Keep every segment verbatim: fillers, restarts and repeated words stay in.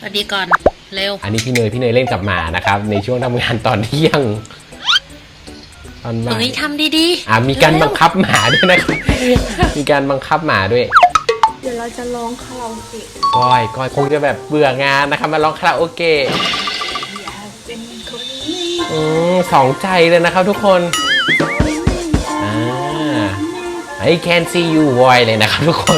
วัสดีก่อนเร็วอันนี้พี่เนยพี่เนยเล่นกับหมานะครับในช่วงทำงานตอนเที่ยงตอนบ่ายเฮ้ยทำดีๆอ่ามีการบังคับหมาด้วยนะครับมีการบังคับหมาด้วยเดี๋ยวเราจะร้องคาราโอเกะก้อยก้อยคงจะแบบเบื่องานนะครับมาร้องคาราโอเกะอืมสองใจเลยนะครับทุกคนอ่า I can see you boy เลยนะครับทุกคน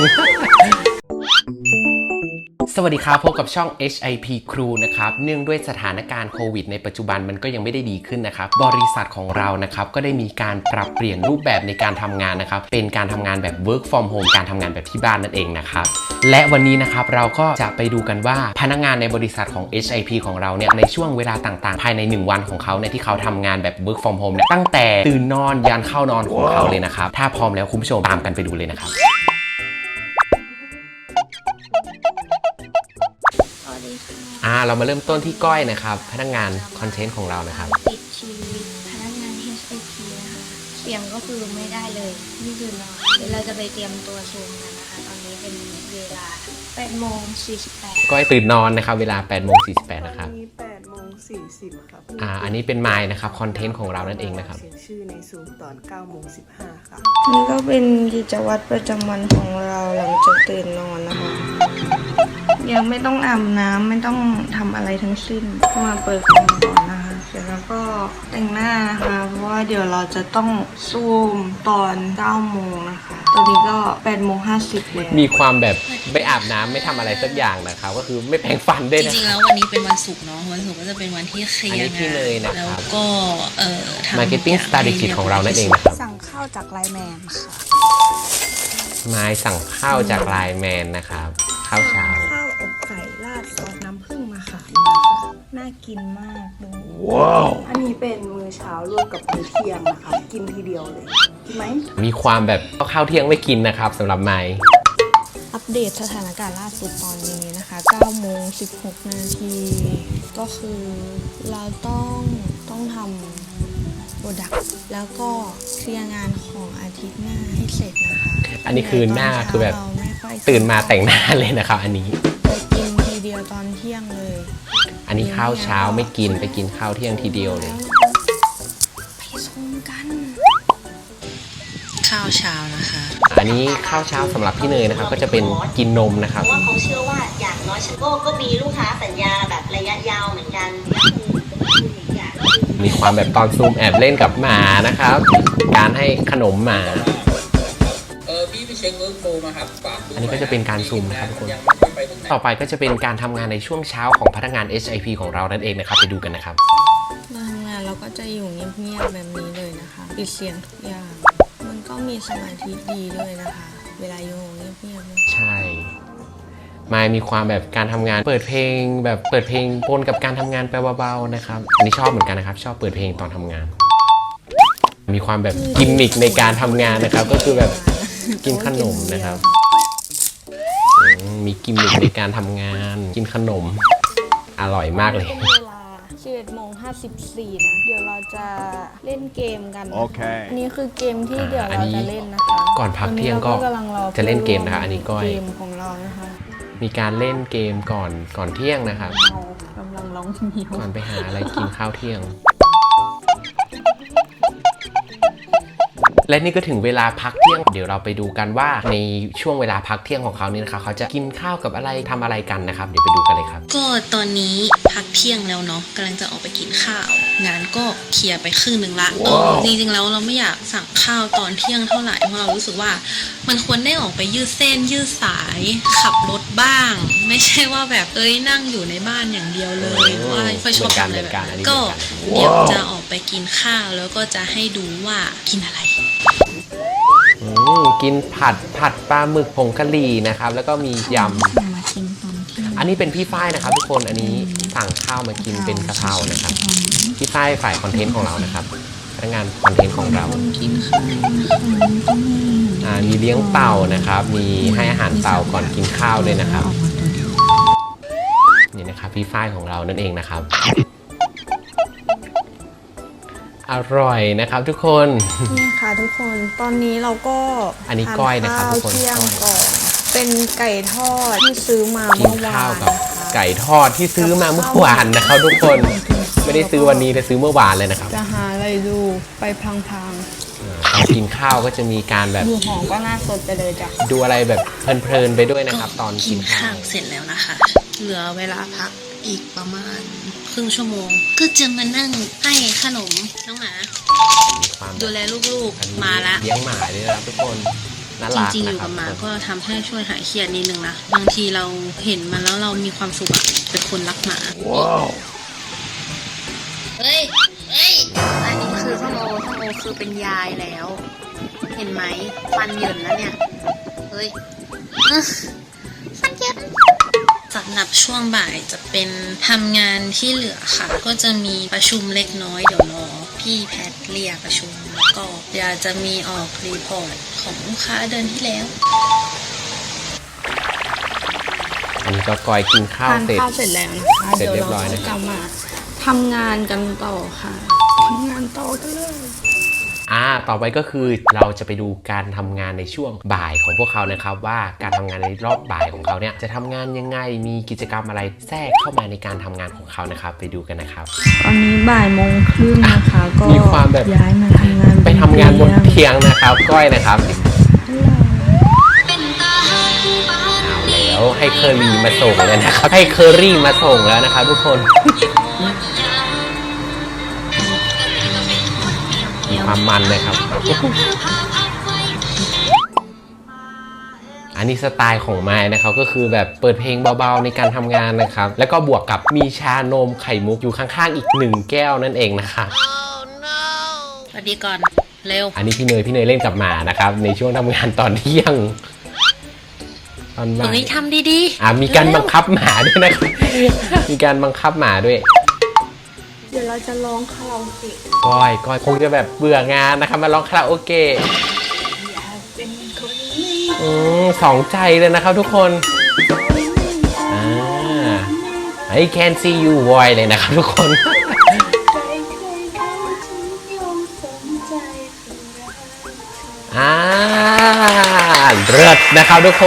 สวัสดีครับพบกับช่อง เอช ไอ พี Crew นะครับเนื่องด้วยสถานการณ์โควิดในปัจจุบันมันก็ยังไม่ได้ดีขึ้นนะครับบริษัทของเรานะครับก็ได้มีการปรับเปลี่ยนรูปแบบในการทำงานนะครับเป็นการทำงานแบบ work from home การทำงานแบบที่บ้านนั่นเองนะครับและวันนี้นะครับเราก็จะไปดูกันว่าพนักงานในบริษัทของ เอช ไอ พี ของเราเนี่ยในช่วงเวลาต่างๆภายในหนึ่งวันของเขาเนี่ยที่เขาทำงานแบบ work from home เนี่ยตั้งแต่ตื่นนอนยันเข้านอนของเขาเลยนะครับถ้าพร้อมแล้วคุณผู้ชมตามกันไปดูเลยนะครับอ่าเรามาเริ่มต้นที่ก้อยนะครับพนักงานคอนเทนต์ของเรานะครับติดชีวิตพนักงาน เอช ไอ พี นะคะเสียงก็คือไม่ได้เลยนี่คือนอนเดี๋ยวเราจะไปเตรียมตัวซูมกันนะคะตอนนี้เป็นเวลาแปดโมงสี่สิบแปดก้อยตื่นนอนนะครับเวลาแปดโมงสี่สิบแปดนะครับนี้แปดโมงสี่สิบครับอ่าอันนี้เป็นไมล์นะครับคอนเทนต์ของเรานั่นเองนะครับเขียนชื่อในซูมตอนเก้าโมงสิบห้าค่ะนี่ก็เป็นกิจวัตรประจำวันของเราหลังจากตื่นนอนนะคะยังไม่ต้องอาบน้ำไม่ต้องทำอะไรทั้งสิ้นมาเปิดคอมก่อนนะคะเสร็จแล้วก็แต่งหน้านะคะเพราะว่าเดี๋ยวเราจะต้องซูมตอนเก้าโมงนะคะตอนนี้ก็แปดโมงห้าสิบแล้วมีความแบบไม่อาบน้ำไม่ทำอะไรสักอย่างนะครับก็คือไม่แปรงฟันด้วยนะจริงๆแล้ววันนี้เป็นวันศุกร์เนาะวันศุกร์ก็จะเป็นวันที่เคลียร์งานแล้วก็เอ่อทำ Marketing Strategy ของเรานั่นเองนะครับสั่งข้าวจากไลน์แมนค่ะไม้สั่งข้าวจากไลน์แมนนะครับข้าวเช้าข้าวอบไก่ราดซอสน้ำผึ้งมาค่ะน่ากินมากดูว้าวอันนี้เป็นมื้อเช้าร่วมกับมื้อเที่ยงนะคะกินทีเดียวเลยกินไหมมีความแบบข้าวเที่ยงไม่กินนะครับสำหรับไม้อัปเดตสถานการณ์ล่าสุดตอนนี้นะคะเก้าโมงสิบหกนาทีก็คือเราต้องต้องทำโปรดักต์แล้วก็เคลียร์งานของอาทิตย์หน้าให้เสร็จนะคะอันนี้คือหน้าคือแบบตื่นมาแต่งหน้าเลยนะครับอันนี้ไปกินทีเดียวตอนเที่ยงเลยอันนี้ข้าวเช้าไม่กินไปกินข้าวเที่ยงทีเดียวเลยไปชมกันข้าวเช้านะคะอันนี้ข้าวเช้าสำหรับพี่เนยนะครับก็จะเป็นกินนมนะครับว่าเขาเชื่อว่าอย่างน้อยฉันก็ก็มีลูกค้าสัญญาแบบระยะยาวเหมือนกันมีความแบบตอนซูมแอบเล่นกับหมานะครับการให้ขนมหมาเออพี่ไปเช็คเวิร์กโฟมาครับอันนี้ก็จะเป็นการซูมนะครับทุกคนต่อไปก็จะเป็นการทำงานในช่วงเช้าของพนักงาน เอช ไอ พี ของเรานั่นเองนะครับไปดูกันนะครับทำงานเราก็จะอยู่เงียบๆแบบนี้เลยนะคะปิดเสียงทุกอย่างมันก็มีสมาธิดีด้วยนะคะเวลาอยู่เงียบๆใช่มายมีความแบบการทำงานเปิดเพลงแบบเปิดเพลงปนกับการทำงานไปเบาๆนะครับอันนี้ชอบเหมือนกันนะครับชอบเปิดเพลงตอนทำงานมีความแบบกิมมิคในการทำงานนะครับก็คือแบบกินขนมนะครับมีกิมมิคในการทำงานกินขนมอร่อยมากเลยเวลาสิบเอ็ดโมงห้าสิบสี่นะเดี๋ยวเราจะเล่นเกมกันโอเคนี่คือเกมที่เดี๋ยวเราจะเล่นนะคะก่อนพักเที่ยงก็จะเล่นเกมนะคะอันนี้ก้อยเกมของเรานะคะมีการเล่นเกมก่อนก่อนเที่ยงนะครับกำลังร้องมีก่อนไปหาอะไรกินข้าวเที่ยงและนี่ก็ถึงเวลาพักเที่ยงเดี๋ยวเราไปดูกันว่าในช่วงเวลาพักเที่ยงของเขานี่นะคะเขาจะกินข้าวกับอะไรทำอะไรกันนะครับเดี๋ยวไปดูกันเลยครับก็ตอนนี้พักเที่ยงแล้วเนาะกำลังจะออกไปกินข้าวงานก็เคลียร์ไปครึ่งหนึ่งละ wow. จริงๆแล้วเราไม่อยากสั่งข้าวตอนเที่ยงเท่าไหร่เพราะเรารู้สึกว่ามันควรได้ออกไปยืดเส้นยืดสายขับรถบ้างไม่ใช่ว่าแบบเอ้ยนั่งอยู่ในบ้านอย่างเดียวเลยว่าค่อยชอบทำอะไรแบบนั้นก็เดี๋ยวจะออกไปกินข้าวแล้วก็จะให้ดูว่ากินอะไรกินผัดผัดปลาหมึกผงกะหรี่นะครับแล้วก็มียำอันนี้เป็นพี่ฝ้ายนะครับทุกคนอันนี้สั่งข้าวมากินเป็นกะเพรานะครับพี่ฝ้ายฝ่ายคอนเทนต์ของเรานะครับพนักงานคอนเทนต์ของเราอ่ามีเลี้ยงเต่านะครับมีให้อาหารเต่าก่อนกินข้าวด้วยนะครับนี่นะครับพี่ฝ้ายของเรานั่นเองนะครับอร่อยนะครับทุกคนนี่ค่ะทุกคนตอนนี้เราก็อันนี้ก้อยนะครับทุกคนเที่ยงก่อนเป็นไก่ทอดที่ซื้อมาเมื่อวานนะคะไก่ทอดที่ซื้อมาเมื่อวานนะครับทุกคนไม่ได้ซื้อวันนี้แต่ซื้อเมื่อวานเลยนะครับจะหาอะไรดูไปพลางตอนกินข้าวก็จะมีการแบบๆดูหอมก็น่าสดไปเลยจ้ะดูอะไรแบบเพลินๆไปด้วยนะครับ ตอนกิกินนข้าข้าว วเสร็จแล้วนะคะ เหลือเวลาพักอีกประมาณครึ่งชั่วโมง ก็จะมานั่งให้ขนมน้องหมามีความดูแลลูกอันนี้ๆมาละเลี้ยงหมาด้วยนะครับทุกคนน่าจรักริงๆ อนะยู่ครักับบหมาทุกคนก็ทำให้ช่วยหายเครียดนิดนึงนะ บางทีเราเห็นมันแล้วเรามีความสุขอะเป็นคนรักหมาว้าวเฮ้ย เฮ้ย อันนี้คือส้มโอส้มโอคือเป็นยายแล้ว เห็นไหมฟันเหยินแล้วเนี่ย เฮ้ยอื้อฟันเหยินสำหรับช่วงบ่ายจะเป็นทำงานที่เหลือค่ะ ก็จะมีประชุมเล็กน้อยเดี๋ยวรอพี่แพทเรียกประชุมแล้วก็เดี๋ยวจะมีออกรีพอร์ตของลูกค้าเดือนที่แล้วอันนี้ก็กอยกินข้าวทานเสร็จข้าวเสร็จแล้วนะคะเสร็จเดี๋ยวเรียบร้เราอยนะจะครับกลับมาทำงานกันต่อค่ะทำงานต่อกันเลยอ่าต่อไปก็คือเราจะไปดูการทำงานในช่วงบ่ายของพวกเขานะครับ ว่าการทำงานในรอบบ่ายของเขาเนี่ยจะทำงานยังไงมีกิจกรรมอะไรแทรกเข้ามาในการทำงานของเขานะครับ ไปดูกันนะครับตอนนี้บ่ายโมงครึ่งนะคะก็มีความแบบย้ายมาทำงานไปทำงานบนเตียงเตียงนะครับ ก้อยนะครับเอาแล้วให้เคอรี่มาส่งแล้วนะครับให้เคอรี่มาส่งแล้วนะครับทุกคนมีความมันเลยครับ อันนี้สไตล์ของไม้นะครับก็คือแบบเปิดเพลงเบาๆในการทำงานนะครับ แล้วก็บวกกับมีชานมไข่มุกอยู่ข้างๆอีกหนึ่งแก้วนั่นเองนะครับสวัสดีก่อน เร็วอันนี้พี่เนยพี่เนยเล่นกับหมานะครับในช่วงทำงานตอนเที่ยงตอนบ่ายเฮ้ยทำดีๆอ่ามีการบังคับหมาด้วยนะครับมีการบังคับหมาด้วยเดี๋ยวเราจะร้องคาราโอเกะก้อยก้อยคงจะแบบเบื่องานนะครับมาร้องคาราโอเกะอืมสองใจเลยนะครับทุกคนอ่า I can see you boy เลยนะครับทุกคนอ่าเลิศนะครับทุกคน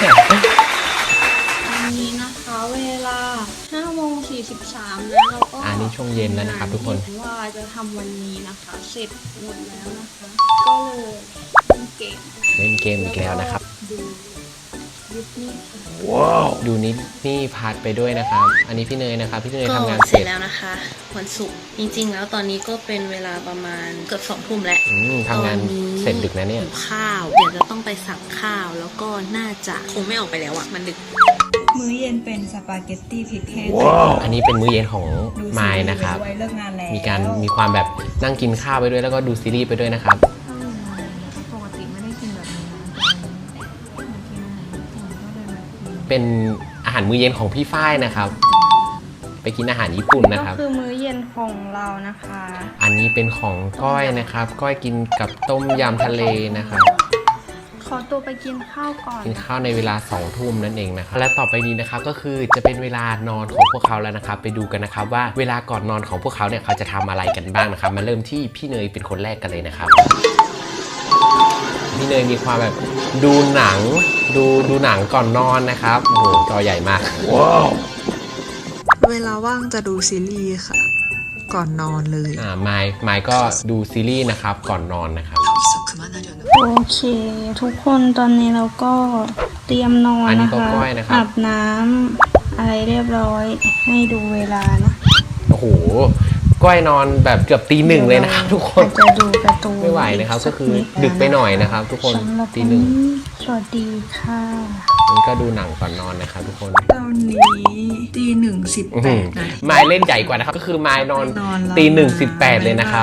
วันนี้นะคะเวลาห้าโมงสี่สิบสามแล้วเราก็อันนี้ช่วงเย็นแล้วนะครับทุกคนว่าจะทำวันนี้นะคะเสร็จหมดแล้วนะคะก็เลยเล่นเกมเล่นเกมอีกแล้วนะครับดูยุคนี้ค่ะว้าวดูนิดนี่พาดไปด้วยนะครับ อันนี้พี่เนยนะครับพี่เนยก็ทำงานเสเสร็ร็จจแล้วนะคะ วันศุกร์จริงๆ แล้วตอนนี้ก็เป็นเวลาประมาณเกือบสองทุ่มแล้วอืมทำงานเสร็จดึกนะเนี่ยหิวข้าว เดี๋ยวจะต้องไปสั่งข้าวแล้วก็น่าจะคงไม่ออกไปแล้วอะมันดึกมื้อเย็นเป็นสปาเกตตี้พริกแห้งอันนี้เป็นมื้อเย็นของไมล์นะครับดูซีรีส์ไปด้วยเลิกงานแล้วมีการมีความแบบนั่งกินข้าวไปด้วยแล้วก็ดูซีรีส์ไปด้วยนะครับปกติไม่ได้กินแบบนี้นะแต่มากินอาหารญี่ปุ่นก็เลยมากินเป็นอาหารมื้อเย็นของพี่ฝ้ายนะครับ ไปกินอาหารญี่ปุ่นนะคก็รับคือมื้อเย็นของเรานะคะอันนี้เป็นของก้อยนะครับ ก้อยกินกับต้มยำทะเลนะครับขอตัวไปกินข้าวก่อนกินข้าวในเวลาสองทุ่มนั่นเองนะครับและต่อไปนี้นะครับก็คือจะเป็นเวลานอนของพวกเขาแล้วนะครับ ไปดูกันนะครับว่าเวลาก่อนนอนของพวกเขาเนี่ยเขาจะทำอะไรกันบ้างนะครับ มาเริ่มที่พี่เนยเป็นคนแรกกันเลยนะครับ พี่เนยมีความแบบดูหนังดูดูหนังก่อนนอนนะครับโอ้โหจอใหญ่มากว้าวเวลาว่างจะดูซีรีส์ค่ะ ก่อนนอนเลยอ่าไมค์ไมค์ก็ดูซีรีส์นะครับก่อนนอนนะครับโอเค ทุกคนตอนนี้เราก็เตรียมนอนอันนี้นะก็คะก้อยนะครับอาบน้ำอะไรเรียบร้อยให้ดูเวลานะโอ้โหก้อยนอนแบบเกือบตีหนึ่งเลยนะครับทุกคนอาจจะดูการ์ตูนไม่ไหวนะครับก็คือสันิดึกไปหน่อยนะครับทุกคนสำหรับตีหนึ่งวันนี้สวัสดีค่ะมันก็ดูหนังก่อนนอนนะครับทุกคนตอนนี้ตีหนึ่งสิบอื้อแปหือดนาทีไมล์เล่นใหญ่กว่านะครับก็คือไมล์นอนนอนแล้วตีหนึ่งสิบแปดเลยนะครับ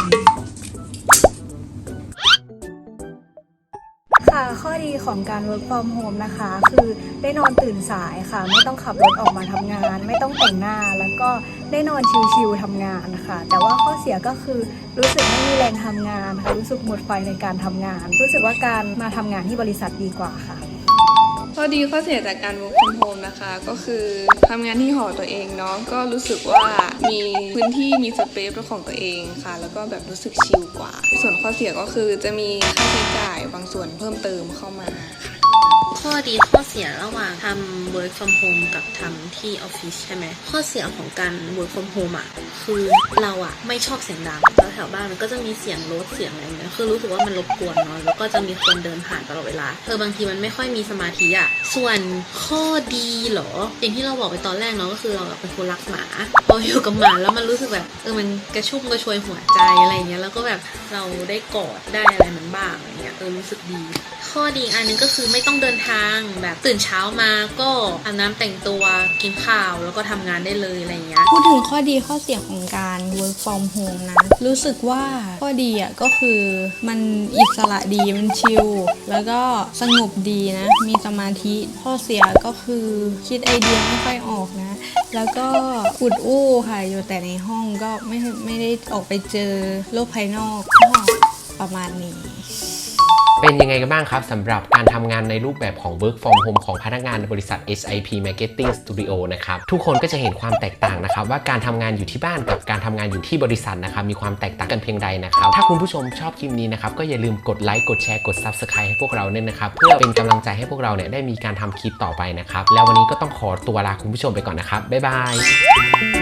ค่ะข้อดีของการ work from home นะคะ คือได้นอนตื่นสายค่ะ ไม่ต้องขับรถออกมาทำงาน ไม่ต้องแต่งหน้าแล้วก็ได้นอนชิลๆทำงานค่ะ แต่ว่าข้อเสียก็คือรู้สึกไม่มีแรงทำงานค่ะรู้สึกหมดไฟในการทำงาน รู้สึกว่าการมาทำงานที่บริษัทดีกว่าค่ะข้อดีข้อเสียจากการ work from home นะคะก็คือทำงานที่หอตัวเองเนาะก็รู้สึกว่ามีพื้นที่มีสเปซเป็นของตัวเองค่ะ แล้วก็แบบรู้สึกชิลกว่า ส่วนข้อเสียก็คือจะมีค่าใช้จ่ายบางส่วนเพิ่มเติมเข้ามาค่ะข้อดีข้อเสียระหว่างทำ work from home กับทำที่ออฟฟิศใช่ไหมข้อเสียของการ work from home อ่ะคือเราอ่ะไม่ชอบเสียงดังแล้วแถวบ้านมันก็จะมีเสียงรถเสียงอะไรเงี้ยคือรู้สึกว่ามันรบกวนเนาะแล้วก็จะมีคนเดินผ่านตลอดเวลาเออบางทีมันไม่ค่อยมีสมาธิอ่ะส่วนข้อดีเหรออย่างที่เราบอกไปตอนแรกเนาะก็คือเราเป็นคนรักหมาพออยู่กับหมาแล้วมันรู้สึกแบบเออมันกระชุ่มกระชวยหัวใจอะไรเงี้ยแล้วก็แบบเราได้กอดได้อะไรมันบ้างอะไรเงี้ยเออรู้สึกดีข้อดีอันนึงก็คือไม่ต้องเดินทางแบบตื่นเช้ามาก็อาบน้ำแต่งตัวกินข้าวแล้วก็ทำงานได้เลยอะไรเงี้ยพูดถึงข้อดีข้อเสียของการ work from home นะรู้สึกว่าข้อดีอ่ะก็คือมันอิสระดีมันชิลแล้วก็สงบดีนะมีสมาธิข้อเสียก็คือคิดไอเดียไม่ค่อยออกนะแล้วก็อุดอู้ค่ะอยู่แต่ในห้องก็ไม่ไม่ได้ออกไปเจอโลกภายนอกก็ประมาณนี้เป็นยังไงกันบ้างครับสำหรับการทำงานในรูปแบบของ work from home ของพนักงานบริษัท เอช ไอ พี Marketing Studio นะครับทุกคนก็จะเห็นความแตกต่างนะครับว่าการทำงานอยู่ที่บ้านกับการทำงานอยู่ที่บริษัทนะครับมีความแตกต่างกันเพียงใดนะครับถ้าคุณผู้ชมชอบคลิปนี้นะครับก็อย่าลืมกดไลค์กดแชร์กด Subscribe ให้พวกเราเนี่ยนะครับเพื่อเป็นกำลังใจให้พวกเราเนี่ยได้มีการทำคลิปต่อไปนะครับแล้ววันนี้ก็ต้องขอตัวลาคุณผู้ชมไปก่อนนะครับบ๊ายบาย